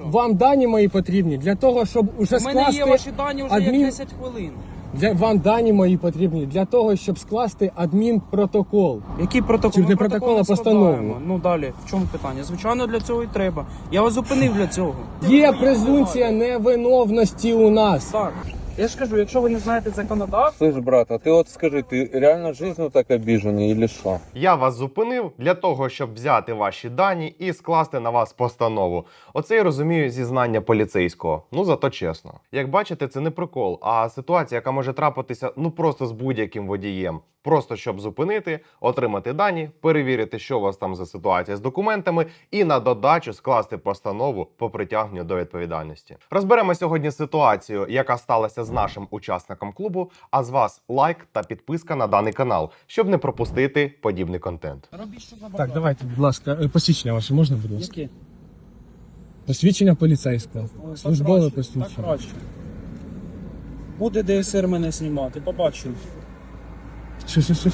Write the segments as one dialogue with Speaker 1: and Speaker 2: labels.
Speaker 1: Вам дані мої потрібні для того, щоб уже
Speaker 2: У мене є
Speaker 1: скласти
Speaker 2: ваші дані вже як 10 хвилин.
Speaker 1: Вам дані мої потрібні для того, щоб скласти адмінпротокол.
Speaker 2: Який протокол?
Speaker 1: Чи
Speaker 2: Ми
Speaker 1: не протокол, а постанову?
Speaker 2: складаємо. Ну далі, в чому питання? Звичайно, для цього і треба. Я вас зупинив для цього.
Speaker 1: Є презумпція невиновності у нас.
Speaker 2: Так. Я ж кажу, якщо ви не знаєте законодавство,
Speaker 3: Слышь, брат, а ты вот скажи, ты реально жизнью так обиженный или что?
Speaker 4: Я вас зупинив для того, щоб взяти ваші дані і скласти на вас постанову. Оце я розумію зізнання поліцейського. Ну зато чесно. Як бачите, це не прикол, а ситуація, яка може трапитися ну просто з будь-яким водієм. Просто щоб зупинити, отримати дані, перевірити, що у вас там за ситуація з документами, і на додачу скласти постанову по притягненню до відповідальності. Розберемо сьогодні ситуацію, яка сталася з нашим учасником клубу, а з вас лайк та підписка на даний канал, щоб не пропустити подібний контент.
Speaker 2: робіть, що забажаєте.
Speaker 1: Так, давайте, будь ласка, посвідчення ваше можна, будь ласка?
Speaker 2: Які?
Speaker 1: Посвідчення поліцейського.
Speaker 2: Ой,
Speaker 1: Службове
Speaker 2: так
Speaker 1: посвідчення.
Speaker 2: краще. Буде ДСР мене знімати, побачимо.
Speaker 1: Що?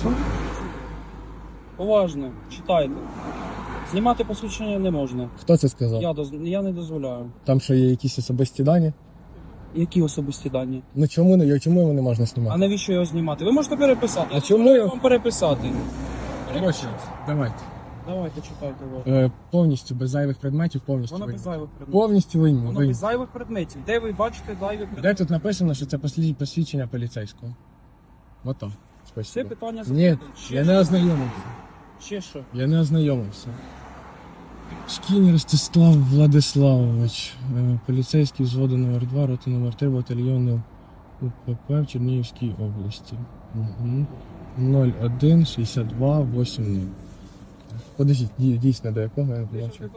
Speaker 2: Уважно, читайте. Знімати посвідчення не можна.
Speaker 1: Хто це сказав?
Speaker 2: Я не дозволяю.
Speaker 1: Там що є якісь особисті дані?
Speaker 2: Які особисті дані?
Speaker 1: Ну чому його не можна
Speaker 2: А
Speaker 1: знімати?
Speaker 2: навіщо його знімати? Ви можете переписати.
Speaker 1: А
Speaker 2: Я
Speaker 1: чому
Speaker 2: дозволяю
Speaker 1: його-
Speaker 2: вам переписати?
Speaker 1: Коротше, давайте.
Speaker 2: Давайте читайте.
Speaker 1: Повністю без зайвих предметів, повністю
Speaker 2: Воно без
Speaker 1: винні.
Speaker 2: зайвих предметів.
Speaker 1: Повністю винні.
Speaker 2: Воно без зайвих предметів. Де ви бачите зайві предмети?
Speaker 1: Де тут написано, що це посвідчення поліцейського? Ото.
Speaker 2: Це
Speaker 1: Спасибо.
Speaker 2: питання
Speaker 1: Ні,
Speaker 2: закрите.
Speaker 1: я не ознайомився.
Speaker 2: Ще що?
Speaker 1: Я не ознайомився. Шкінь Ростислав Владиславович, поліцейський взводу номер 2, роти номер 3, батальйону УПП в Чернігівській області. Угу. 01 62 80. Подождіть, дійсно до якого я не побачив.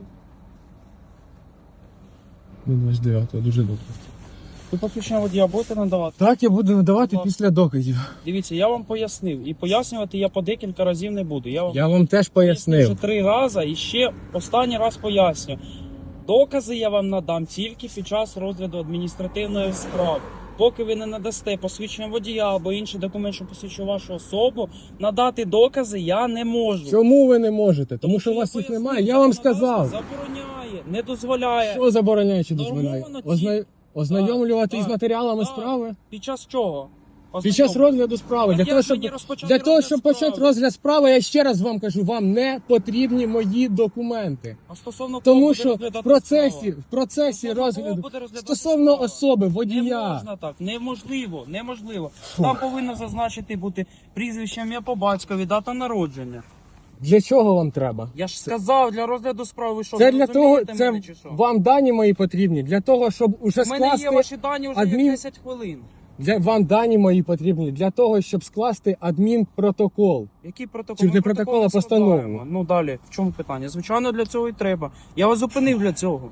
Speaker 1: 29-го, дуже добре.
Speaker 2: Ви посвідчення водія будете надавати?
Speaker 1: Так, я буду надавати
Speaker 2: Будь ласка.
Speaker 1: після доказів.
Speaker 2: Дивіться, я вам пояснив. І пояснювати я по декілька разів не буду.
Speaker 1: Я вам теж
Speaker 2: вже
Speaker 1: пояснив.
Speaker 2: 3 рази і ще останній раз поясню. Докази я вам надам тільки під час розгляду адміністративної справи. Поки ви не надасте посвідчення водія або інший документ, що посвідчує вашу особу, надати докази я не можу.
Speaker 1: Чому ви не можете? Тому що у
Speaker 2: я
Speaker 1: вас їх
Speaker 2: пояснив,
Speaker 1: немає. Я вам
Speaker 2: законодавство
Speaker 1: сказав.
Speaker 2: Забороняє, не дозволяє.
Speaker 1: Що забороняє чи дозволяє?
Speaker 2: Нормовано
Speaker 1: Ознайомлювати
Speaker 2: Так,
Speaker 1: із матеріалами
Speaker 2: так.
Speaker 1: справи?
Speaker 2: Під час чого?
Speaker 1: Під час розгляду справи. Для
Speaker 2: Так
Speaker 1: того,
Speaker 2: як
Speaker 1: щоб,
Speaker 2: мені розпочати
Speaker 1: для того,
Speaker 2: розгляд
Speaker 1: щоб
Speaker 2: справи?
Speaker 1: почати розгляд справи, я ще раз вам кажу, вам не потрібні мої документи.
Speaker 2: А стосовно кого
Speaker 1: Тому
Speaker 2: буде
Speaker 1: що
Speaker 2: розглядати
Speaker 1: в процесі
Speaker 2: справа?
Speaker 1: розгляду,
Speaker 2: кого буде розглядати
Speaker 1: стосовно
Speaker 2: справа?
Speaker 1: особи,
Speaker 2: Не
Speaker 1: водія.
Speaker 2: можна так, неможливо. Там повинно зазначити бути прізвище, ім'я по батькові, дата народження.
Speaker 1: Для чого вам треба?
Speaker 2: Я ж сказав, для розгляду справи, ви що,
Speaker 1: Це
Speaker 2: не
Speaker 1: для того,
Speaker 2: розумієте
Speaker 1: це
Speaker 2: мене чи що?
Speaker 1: вам дані мої потрібні, для того, щоб уже
Speaker 2: У мене є
Speaker 1: скласти
Speaker 2: ваші дані вже
Speaker 1: адмін-
Speaker 2: як 10 хвилин.
Speaker 1: Вам дані мої потрібні для того, щоб скласти адмінпротокол.
Speaker 2: Який протокол?
Speaker 1: Чи
Speaker 2: Ми
Speaker 1: не протокол, а постанову?
Speaker 2: складаємо. Ну далі, в чому питання? Звичайно, для цього і треба. Я вас зупинив для цього.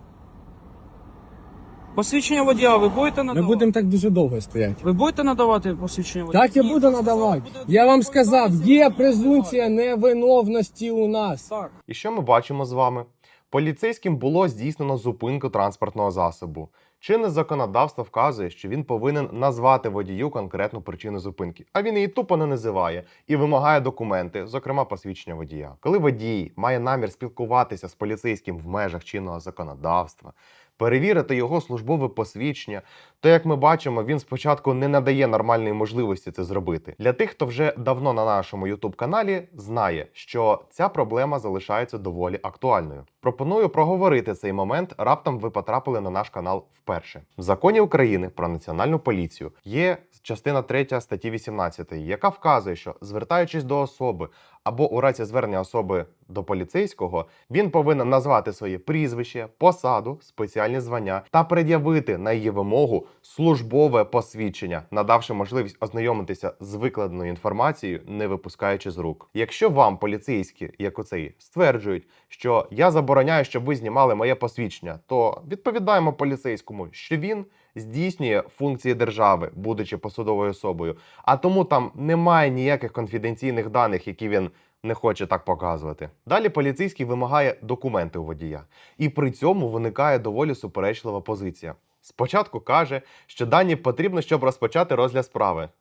Speaker 2: Посвідчення водія ви будете
Speaker 1: Ми
Speaker 2: надавати?
Speaker 1: будемо так дуже довго стояти.
Speaker 2: Ви будете надавати посвідчення водія?
Speaker 1: Так я
Speaker 2: Ні,
Speaker 1: буду
Speaker 2: ви сказали,
Speaker 1: надавати.
Speaker 2: буде
Speaker 1: Я вам
Speaker 2: відповідальність,
Speaker 1: сказав,
Speaker 2: ви
Speaker 1: є
Speaker 2: будете
Speaker 1: презумпція невиновності у нас.
Speaker 2: Так.
Speaker 4: І що ми бачимо з вами? Поліцейським було здійснено зупинку транспортного засобу. Чинне законодавство вказує, що він повинен назвати водію конкретну причину зупинки, а він її тупо не називає і вимагає документи, зокрема посвідчення водія. Коли водій має намір спілкуватися з поліцейським в межах чинного законодавства, перевірити його службове посвідчення, то, як ми бачимо, він спочатку не надає нормальної можливості це зробити. Для тих, хто вже давно на нашому YouTube-каналі, знає, що ця проблема залишається доволі актуальною. Пропоную проговорити цей момент, раптом ви потрапили на наш канал вперше. В Законі України про Національну поліцію є частина 3 статті 18, яка вказує, що, звертаючись до особи або у разі звернення особи до поліцейського, він повинен назвати своє прізвище, посаду, спеціальні звання та пред'явити на її вимогу службове посвідчення, надавши можливість ознайомитися з викладеною інформацією, не випускаючи з рук. Якщо вам поліцейські, як оцей, стверджують, що я забороняю, щоб ви знімали моє посвідчення, то відповідаємо поліцейському, що він здійснює функції держави, будучи посадовою особою, а тому там немає ніяких конфіденційних даних, які він не хоче так показувати. Далі поліцейський вимагає документи у водія. І при цьому виникає доволі суперечлива позиція. Спочатку каже, що дані потрібно, щоб розпочати розгляд справи.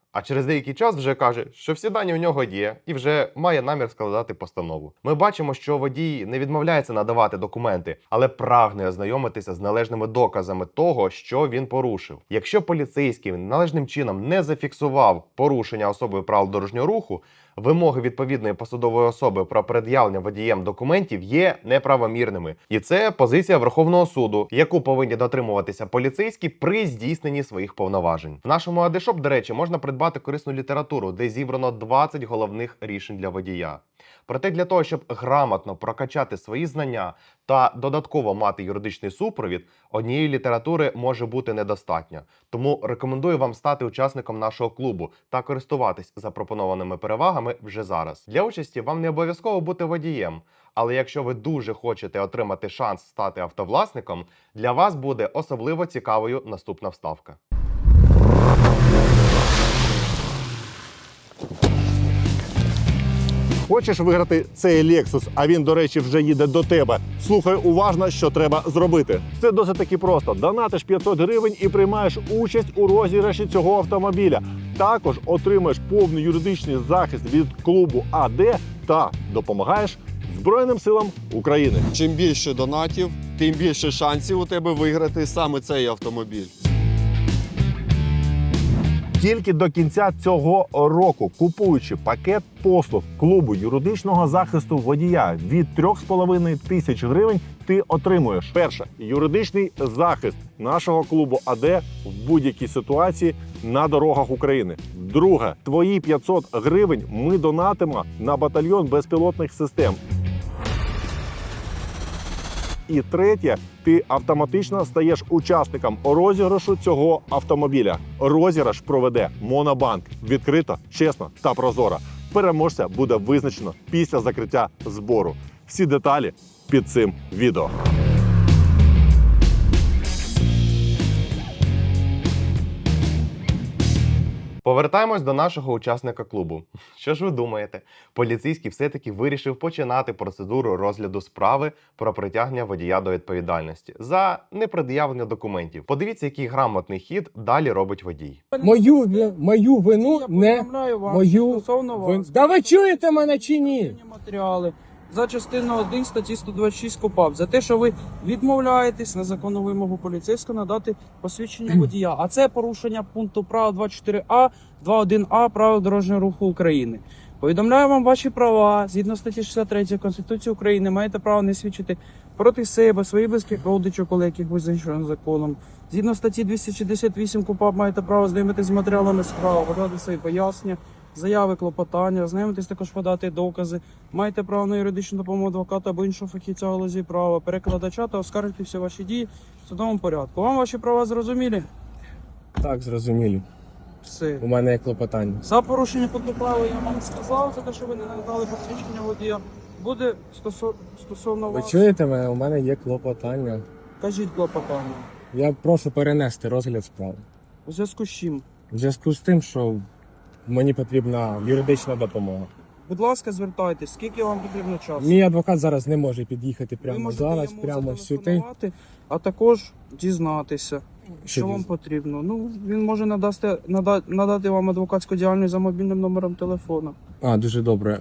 Speaker 4: А через деякий час вже каже, що всі дані у нього є і вже має намір складати постанову. Ми бачимо, що водій не відмовляється надавати документи, але прагне ознайомитися з належними доказами того, що він порушив. Якщо поліцейський належним чином не зафіксував порушення особою правил дорожнього руху, вимоги відповідної посадової особи про пред'явлення водієм документів є неправомірними. І це позиція Верховного суду, яку повинні дотримуватися поліцейські при здійсненні своїх повноважень. В нашому Адешоп, до речі, можна придбати корисну літературу, де зібрано 20 головних рішень для водія. Проте для того, щоб грамотно прокачати свої знання та додатково мати юридичний супровід, однієї літератури може бути недостатньо. Тому рекомендую вам стати учасником нашого клубу та користуватись запропонованими перевагами вже зараз. Для участі вам не обов'язково бути водієм, але якщо ви дуже хочете отримати шанс стати автовласником, для вас буде особливо цікавою наступна вставка.
Speaker 5: Хочеш виграти цей Lexus, а він, до речі, вже їде до тебе? Слухай уважно, що треба зробити. Це досить таки просто. Донатиш 500 гривень і приймаєш участь у розіграші цього автомобіля. Також отримаєш повний юридичний захист від клубу АД та допомагаєш Збройним силам України.
Speaker 6: Чим більше донатів, тим більше шансів у тебе виграти саме цей автомобіль.
Speaker 5: Тільки до кінця цього року, купуючи пакет послуг клубу юридичного захисту водія від 3,5 тисяч гривень, ти отримуєш: перше, юридичний захист нашого клубу АД в будь-якій ситуації на дорогах України. Друге, твої 500 гривень ми донатимо на батальйон безпілотних систем. І третє, ти автоматично стаєш учасником розіграшу цього автомобіля. Розіграш проведе Монобанк. Відкрито, чесно та прозоро. Переможця буде визначено після закриття збору. Всі деталі під цим відео.
Speaker 4: Повертаємось до нашого учасника клубу. Що ж ви думаєте? Поліцейський все-таки вирішив починати процедуру розгляду справи про притягнення водія до відповідальності за непред'явлення документів. Подивіться, який грамотний хід далі робить водій.
Speaker 1: Мою вину
Speaker 2: Я
Speaker 1: не
Speaker 2: повідомляю вам
Speaker 1: мою
Speaker 2: стосовно
Speaker 1: вину.
Speaker 2: вас.
Speaker 1: Да ви чуєте мене чи ні?
Speaker 2: Відповідні матеріали за частиною 1 статті 126 КУпАП за те, що ви відмовляєтесь на законну вимогу поліцейського надати посвідчення водія. А це порушення пункту права 24А, 21А правил дорожнього руху України. Повідомляю вам ваші права. Згідно статті 63 Конституції України маєте право не свідчити проти себе, своїх близьких родичів, коли яких визначено законом. Згідно статті 268 КУпАП маєте право знайомитися з матеріалами справи, подати свої пояснення, заяви, клопотання, ознайомитись, також подати докази. Маєте право на юридичну допомогу адвоката або іншого фахівця в галузі права, перекладача та оскаржити всі ваші дії в судовому порядку. Вам ваші права зрозумілі?
Speaker 1: Так, зрозумілі.
Speaker 2: Все.
Speaker 1: У мене є клопотання.
Speaker 2: За порушення пункту права я вам сказав, за те, що ви не надали посвідчення водія. Буде стосовно
Speaker 1: Ви
Speaker 2: вас.
Speaker 1: чуєте мене? У мене є клопотання.
Speaker 2: Кажіть клопотання.
Speaker 1: Я прошу перенести розгляд справи.
Speaker 2: У зв'язку з чим?
Speaker 1: В зв'язку з тим, що мені потрібна юридична допомога.
Speaker 2: Будь ласка, звертайтесь. Скільки вам потрібно часу?
Speaker 1: Мій адвокат зараз не може під'їхати
Speaker 2: Ви
Speaker 1: прямо
Speaker 2: можете
Speaker 1: зараз,
Speaker 2: йому
Speaker 1: прямо сюди.
Speaker 2: зателефонувати, а також дізнатися, що вам
Speaker 1: діз-
Speaker 2: потрібно. Ну, він може надати вам адвокатську діяльність за мобільним номером телефону.
Speaker 1: А, дуже добре.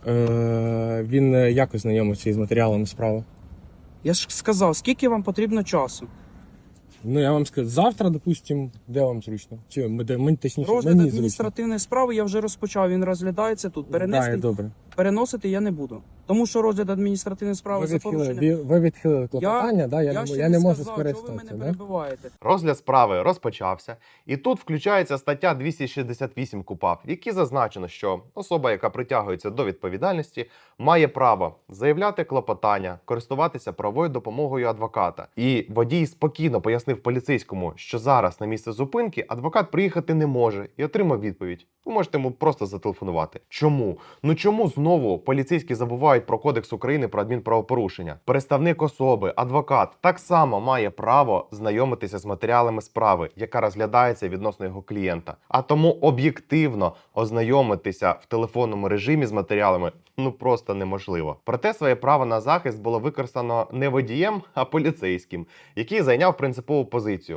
Speaker 1: Він якось знайомиться із матеріалами справи.
Speaker 2: Я ж сказав, скільки вам потрібно часу?
Speaker 1: Ну, я вам скажу, завтра, допустим, де вам зручно? Чи мені точніше,
Speaker 2: Розгляд
Speaker 1: мені зручно.
Speaker 2: адміністративної справи я вже розпочав, він розглядається тут.
Speaker 1: Да, добре.
Speaker 2: Переносити я не буду. Тому що розгляд адміністративної справи
Speaker 1: Ви
Speaker 2: за порушення...
Speaker 1: відхилили клопотання, да? Я
Speaker 2: ще
Speaker 1: не можу
Speaker 2: сказав,
Speaker 1: скористатися.
Speaker 2: що ви мене
Speaker 1: Да?
Speaker 2: перебиваєте.
Speaker 4: Розгляд справи розпочався, і тут включається стаття 268 КУпАП, в якій зазначено, що особа, яка притягується до відповідальності, має право заявляти клопотання, користуватися правовою допомогою адвоката. І водій спокійно пояснив поліцейському, що зараз на місце зупинки адвокат приїхати не може, і отримав відповідь. Ви можете йому просто зателефонувати. Чому? Ну чому знову поліцейські забувають про Кодекс України про адмінправопорушення? Представник особи, адвокат, так само має право знайомитися з матеріалами справи, яка розглядається відносно його клієнта. А тому об'єктивно ознайомитися в телефонному режимі з матеріалами ну просто неможливо. Проте своє право на захист було використано не водієм, а поліцейським, який зайняв принципову позицію.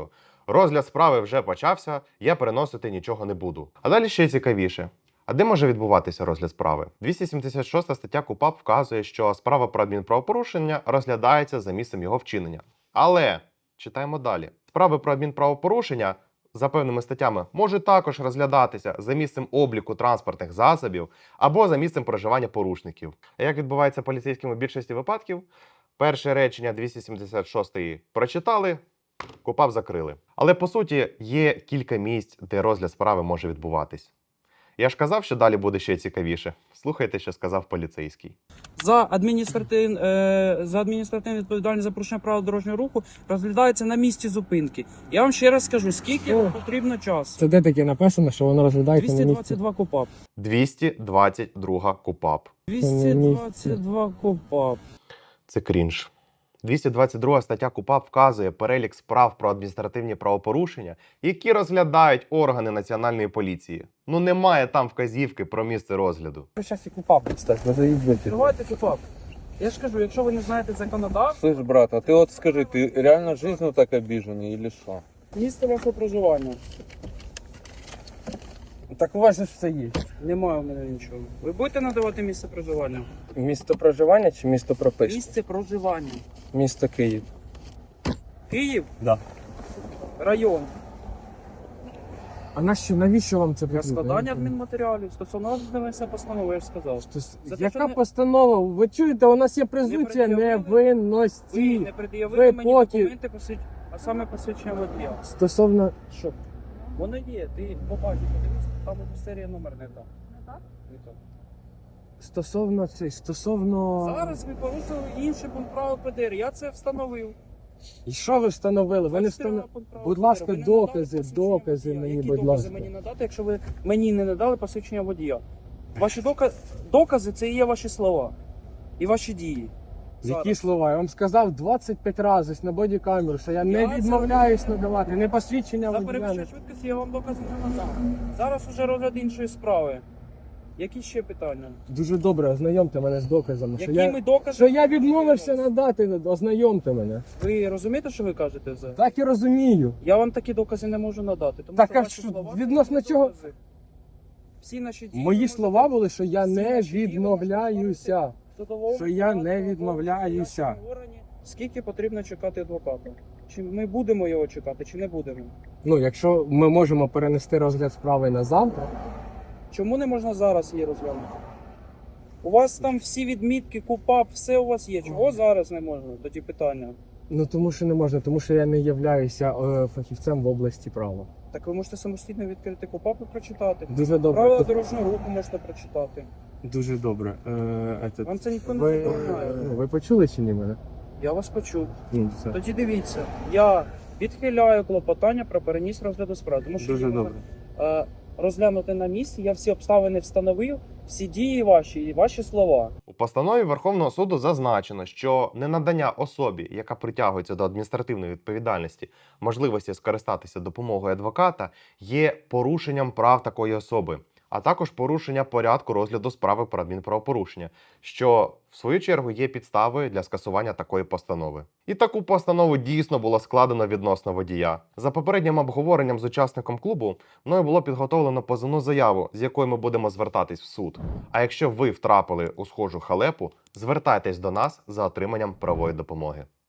Speaker 4: Розгляд справи вже почався, я переносити нічого не буду. А далі ще цікавіше. А де може відбуватися розгляд справи? 276 стаття КУпАП вказує, що справа про адмінправопорушення розглядається за місцем його вчинення. Але, читаємо далі. Справи про адмінправопорушення за певними статтями можуть також розглядатися за місцем обліку транспортних засобів або за місцем проживання порушників. А як відбувається поліцейським у більшості випадків? Перше речення 276 прочитали, КУпАП закрили. Але по суті є кілька місць, де розгляд справи може відбуватись. Я ж казав, що далі буде ще цікавіше. Слухайте, що сказав поліцейський.
Speaker 2: За адміністративну відповідальність за порушення правил дорожнього руху розглядається на місці зупинки. Я вам ще раз скажу, скільки потрібно часу.
Speaker 1: Це де таке написано, що воно розглядається на місці?
Speaker 2: 222 КУпАП.
Speaker 4: 222 КУпАП.
Speaker 2: 222 КУпАП.
Speaker 4: Це крінж. 222 стаття КУпАП вказує перелік справ про адміністративні правопорушення, які розглядають органи Національної поліції. Ну немає там вказівки про місце розгляду.
Speaker 1: Зараз і КУпАП підстать, ви заїздите.
Speaker 2: Давайте КУпАП. Я ж кажу, якщо ви не знаєте законодавство,
Speaker 3: Слышь, брат, а ти от скажи, ти реально жизнью так обіжений, или що?
Speaker 2: місце вашого проживання.
Speaker 1: Так у вас же все є.
Speaker 2: Немає в мене нічого. Ви будете надавати місце проживання?
Speaker 1: Місто проживання чи місто прописки?
Speaker 2: Місце проживання.
Speaker 1: Місто Київ.
Speaker 2: Київ?
Speaker 1: Да.
Speaker 2: Район.
Speaker 1: А навіщо вам це
Speaker 2: Для
Speaker 1: потрібно?
Speaker 2: складання адмінматеріалів. Стосовно розглядання постанови, я ж сказав. За те,
Speaker 1: Яка
Speaker 2: що не-
Speaker 1: постанова? Ви чуєте, у нас є презумпція
Speaker 2: пред'явили. Ви
Speaker 1: невинності.
Speaker 2: не пред'явили
Speaker 1: ви
Speaker 2: мені
Speaker 1: поки-
Speaker 2: документи, а саме посвідчення водія.
Speaker 1: Стосовно
Speaker 2: Що? Воно є, ти побачиш, подивись, там уже серія номер не та. Не та.
Speaker 1: стосовно...
Speaker 2: Зараз ви порушили інший пункт правил ПДР, я це встановив.
Speaker 1: І що ви встановили? Ви не встановили. Будь ласка, докази мені,
Speaker 2: Які
Speaker 1: будь
Speaker 2: докази
Speaker 1: ласка.
Speaker 2: мені надати, якщо ви мені не надали посвідчення водія? Ваші докази це і є ваші слова. І ваші дії.
Speaker 1: Які слова? Я вам сказав 25 разів на бодікамеру, що я не
Speaker 2: Я це-
Speaker 1: відмовляюсь надавати, не посвідчення
Speaker 2: За
Speaker 1: водія.
Speaker 2: перевищення швидкості я вам докази не надав. Зараз уже розгляд іншої справи. Які ще питання?
Speaker 1: Дуже добре, ознайомте мене з доказами.
Speaker 2: Якими доказами?
Speaker 1: Що я відмовився надати, ознайомте мене.
Speaker 2: Ви розумієте, що ви кажете?
Speaker 1: Так і розумію.
Speaker 2: Я вам такі докази не можу надати. Тому
Speaker 1: Так,
Speaker 2: що
Speaker 1: а
Speaker 2: ваші
Speaker 1: що,
Speaker 2: слова
Speaker 1: відносно
Speaker 2: це
Speaker 1: чого?
Speaker 2: докази. Всі наші дії
Speaker 1: Мої
Speaker 2: ви
Speaker 1: слова
Speaker 2: можете-
Speaker 1: були, що я
Speaker 2: всі
Speaker 1: не
Speaker 2: наші дії ви можете
Speaker 1: відмовляюся.
Speaker 2: ставити в судовому
Speaker 1: Що я не
Speaker 2: порядку,
Speaker 1: відмовляюся.
Speaker 2: в судовому органі. Скільки потрібно чекати адвоката? Чи ми будемо його чекати, чи не будемо?
Speaker 1: Ну, якщо ми можемо перенести розгляд справи на завтра,
Speaker 2: Чому не можна зараз її розглянути? У вас там всі відмітки, КУпАП, все у вас є. Чого зараз не можна? Тоді питання.
Speaker 1: ну тому що не можна, тому що я не являюся фахівцем в області права.
Speaker 2: Так ви можете самостійно відкрити КУпАП і прочитати.
Speaker 1: Дуже добре.
Speaker 2: Правила дорожнього руху можете прочитати.
Speaker 1: Дуже добре.
Speaker 2: Вам це ніхто не
Speaker 1: Ви,
Speaker 2: забороняє.
Speaker 1: ви почули чи ні мене?
Speaker 2: Я вас почув.
Speaker 1: Ну, все.
Speaker 2: Тоді дивіться, я відхиляю клопотання про переніс розгляду справи. Тому що
Speaker 1: Дуже
Speaker 2: її
Speaker 1: добре.
Speaker 2: можна, розглянути на місці, я всі обставини встановив, всі дії ваші і ваші слова.
Speaker 4: У постанові Верховного суду зазначено, що ненадання особі, яка притягується до адміністративної відповідальності, можливості скористатися допомогою адвоката, є порушенням прав такої особи, а також порушення порядку розгляду справи про адмінправопорушення, що в свою чергу є підставою для скасування такої постанови. І таку постанову дійсно було складено відносно водія. За попереднім обговоренням з учасником клубу мною було підготовлено позовну заяву, з якою ми будемо звертатись в суд. А якщо ви втрапили у схожу халепу, звертайтесь до нас за отриманням правової допомоги.